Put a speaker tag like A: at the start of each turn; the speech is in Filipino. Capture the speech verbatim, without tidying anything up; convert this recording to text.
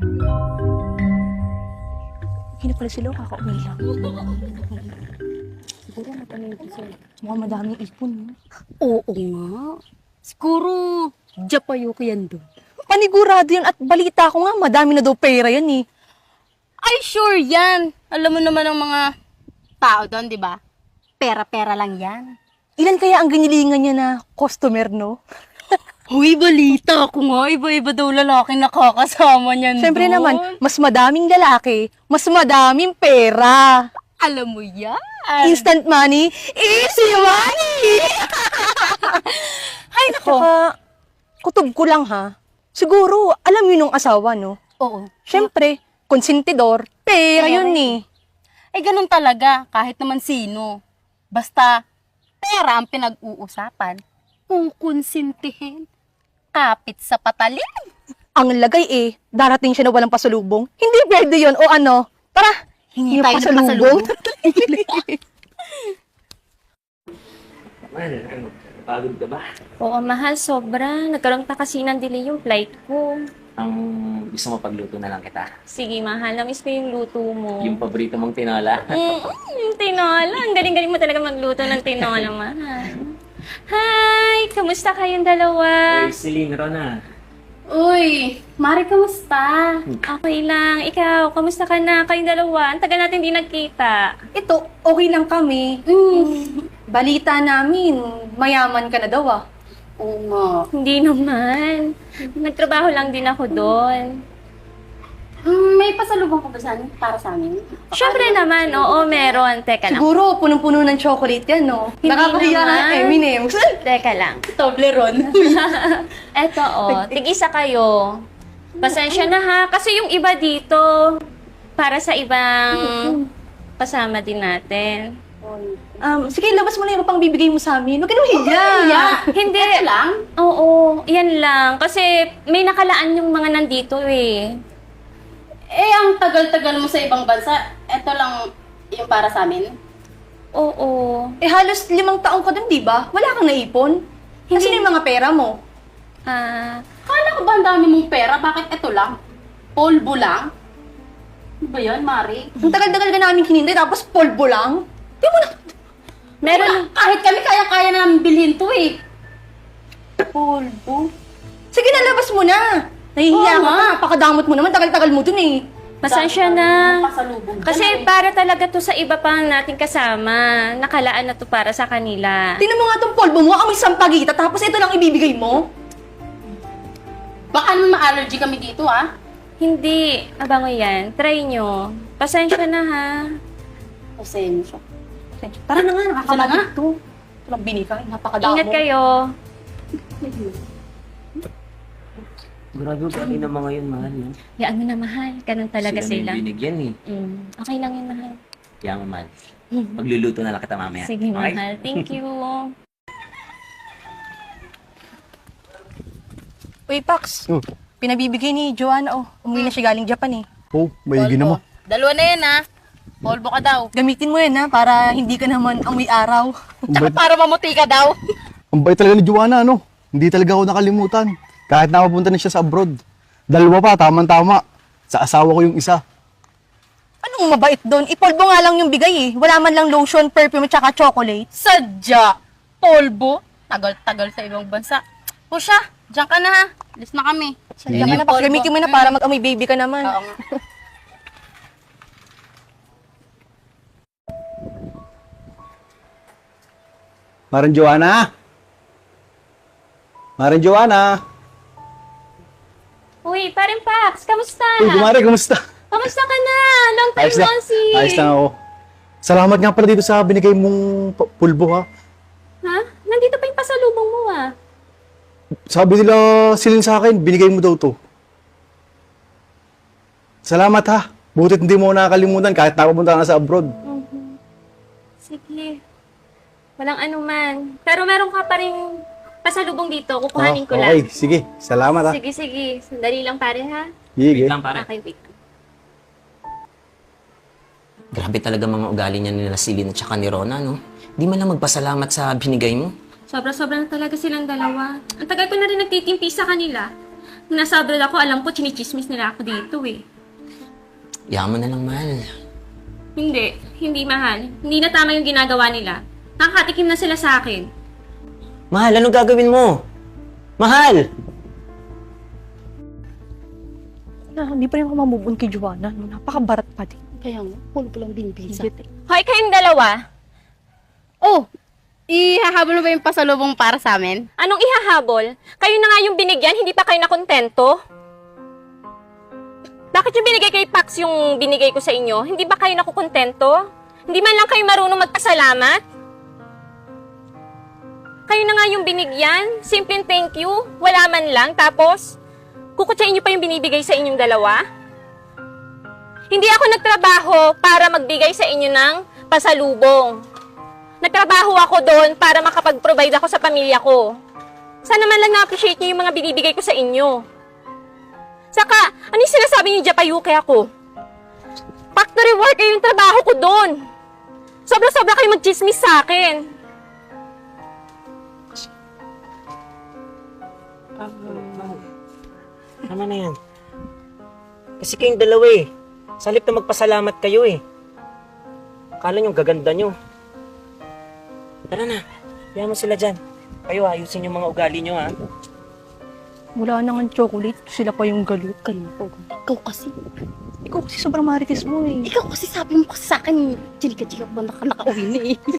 A: Hindi pala sila, kakauwi lang. Siguro matanong sila. Mukhang madaming ipon. No?
B: Oo nga. Siguro, Japayo ko yan doon.
A: Panigurado yan at balita ko nga, madami na daw pera yan eh.
B: Ay, sure yan. Alam mo naman ang mga tao doon, di ba? Pera-pera lang yan.
A: Ilan kaya ang ginilingan niya na customer, no?
B: Huy, balita ko nga. Iba-iba daw lalaki nakakasama niyan
A: Siyempre
B: doon.
A: naman, mas madaming lalaki, mas madaming pera.
B: Alam mo yan.
A: Instant money, easy money! Ay, nako. Kutob ko lang ha. Siguro, alam yun ng asawa, no?
B: Oo.
A: Siyempre, konsentidor, pera yun eh.
B: Eh, ganun talaga. Kahit naman sino. Basta, pera ang pinag-uusapan. Kukonsintihin. Kapit sa patalim.
A: Ang lagay eh, darating siya na walang pasalubong. Hindi pwede yun, o ano? Tara,
B: Hingi
A: yung
B: tayo ng
A: pasalubong.
C: Man, ano, pagod ka ba?
D: Oo, mahal, sobra. Nagkaroon pa kasi ng delay yung flight ko.
C: Ang gusto mo pagluto na lang kita.
D: Sige, mahal. Namiss ko yung luto mo.
C: Yung paborito mong tinola.
D: Mm, yung tinola. Ang galing-galing mo talaga magluto ng tinola, mahal. Hi! Kamusta kayong dalawa?
C: Uy, Celine, Rona.
B: Uy, Mari, kamusta?
D: Okay lang. Ikaw, kamusta ka na? Kayong dalawa. Ang tagal natin di nagkita.
A: Ito, okay lang kami.
B: Mm.
A: Balita namin, mayaman ka na daw ah.
B: Oo nga.
D: Hindi naman. Nagtrabaho lang din ako doon.
B: Hmm, may pasalubong ka ba sa amin? Para sa amin?
D: Siyempre naman, oo, meron. Teka lang.
A: Siguro, punong-puno ng chocolate yan, no?
D: Hindi
A: Nakakahiya
D: naman.
A: nga, Eminems.
D: Teka lang.
B: Toblerone.
D: Eto, oh. Tig-isa kayo. Pasensya na ha. Kasi yung iba dito, para sa ibang kasama din natin.
A: Um, sige, labas mo na yung pang bibigay mo sa amin. Huwag ka nang hiya.
B: Yeah.
D: Hindi.
B: Ito lang?
D: Oo, yan lang. Kasi may nakalaan yung mga nandito eh.
B: Eh, ang tagal-tagal mo sa ibang bansa, ito lang yung para sa amin.
D: Oo.
A: Eh, halos limang taong ka dun, di ba? Wala kang naipon. Kasi na yung mga pera mo.
D: Ah,
B: Kala ko ba ang dami mong pera? Bakit ito lang? Polvo lang? Ano ba yan, Mari?
A: Ang tagal-tagal ka namin hinintay, tapos polvo lang. Di mo na...
D: meron.
B: Kahit kami kaya-kaya na namin bilhin to eh.
A: Polvo? Sige na, labas mo na. Nahihiya
B: Oo
A: ka
B: nga.
A: pa. Pakadamot mo naman. Tagal-tagal mo dun eh.
D: Pasensya na.
B: Pasalubong ka
D: Kasi
B: na eh.
D: para talaga to sa iba pang nating kasama. Nakalaan na to para sa kanila.
A: Tingnan mo nga tong polvo mo. Amoy sampagita. Tapos ito lang ibibigay mo.
B: Baka naman ma-allergy kami dito ah.
D: Hindi. Abango yan. Try nyo. Pasensya na ha.
B: Pasensya.
A: Tara na nga. Nakakabagit
B: Tara
A: to. Ito lang binikay. Napakadamo.
D: Ingat kayo.
C: Grabe, galing na mga yun, mahal. No?
D: Yaan mo na mahal. Ganun talaga
C: Sila
D: sila.
C: na yung binigyan eh.
D: Mm. Okay lang yun, mahal.
C: Kaya mo, mahal. Magluluto na lang kita mamaya.
D: Sige,
C: Okay?
D: mahal. Thank you.
A: Uy, Pax.
E: Oh.
A: Pinabibigay ni Joanna, oh. Umuwi na siya galing Japan, eh.
E: Oh, maigi naman.
B: Dalawa na yan ah. Polvo ka daw.
A: Gamitin mo yan, ha, para hindi ka naman amoy araw.
E: Ang bait,
B: Para mamuti ka daw.
E: ang bait talaga ni Joanna, ano? Hindi talaga ako nakalimutan. Kahit napapunta na siya sa abroad. Dalawa pa, tamang-tama. Sa asawa ko yung isa.
A: Anong mabait doon? Ipolvo nga lang yung bigay, eh. Wala man lang lotion, perfume, tsaka chocolate.
B: Sadya. Polvo. Tagal-tagal sa ibang bansa. O siya, diyan ka na ha. Alis na kami.
A: Diyan ka na, Pax. Gamitin mo na para mag-amoy baby ka naman.
B: Oo nga.
E: Maran Joanna! Maran Joanna!
D: Uy, parin Pax. Kamusta?
E: Uy, kumare, kumusta?
D: Kamusta ka na? Long time
E: Ayos lang.
D: no see.
E: Ayos lang ako. Salamat nga pala dito sa binigay mong pu- pulbo, ha?
D: Ha? Nandito pa yung pasalubong mo ah.
E: Sabi nila, silin sa akin, binigay mo daw to. Salamat, ha? Butit hindi mo nakakalimutan kahit nakapunta ka na sa abroad.
D: Sige. Walang anuman. Pero meron ka pa rin pasalubong dito. Kukuhanin ko
E: Ah,
D: lang.
E: okay, sige. Salamat, ha?
D: Sige, sige. Sandali lang pare ha.
E: Sige.
C: Wait lang, pare.
D: Okay, wait.
C: Grabe talaga mga ugali niya nila Celine at saka ni Rona, no? Di man lang magpasalamat sa binigay mo.
D: Sobra-sobra na talaga silang dalawa. Ang tagal ko na rin nagtitimpi sa kanila. Nung nasa abroad ako, alam ko, chinichismis nila ako dito eh.
C: Yaman na lang, mahal.
D: Hindi, hindi mahal. Hindi na tama yung ginagawa nila. Nakakatikim na sila sa akin.
C: Mahal, anong gagawin mo? Mahal!
A: Na, hindi pa rin ako mamubun kay Joanna. No? Napakabarat pa din.
B: Kaya nga, pulo pa lang binibisa.
D: Hoy, kayong dalawa,
B: Oh, ihahabol mo ba yung pasalubong para sa amin?
D: anong ihahabol? Kayo na nga yung binigyan, hindi pa kayo nakontento? Bakit yung binigay kay Pax yung binigay ko sa inyo? Hindi ba kayo nakukontento? Hindi man lang kayo marunong magpasalamat? Kayo na nga yung binigyan, simpleng thank you, wala man lang, tapos kukutsain niyo pa yung binibigay sa inyong dalawa? Hindi ako nagtrabaho para magbigay sa inyo ng pasalubong. Nagtrabaho ako doon para makapag-provide ako sa pamilya ko. Sana man lang na-appreciate niyo yung mga binibigay ko sa inyo. Saka, ano yung sinasabi niyo Japayuke ako? Factory worker yung trabaho ko doon. Sobra-sobra kayo mag-chismis sa akin.
C: Tama na yan. Kasi kayong dalawa eh. Sa halip na magpasalamat kayo eh. Akala nyo gaganda nyo. Tara na, kaya mo sila dyan. Kayo ayusin yung mga ugali nyo ha.
A: Wala nang chocolate. Sila pa yung galit.
B: Ganun po. Ikaw kasi.
A: Ikaw kasi sobrang marites mo eh.
B: Ikaw kasi sabi mo kasi sa akin, chika-chika ba naka nakauwi na eh.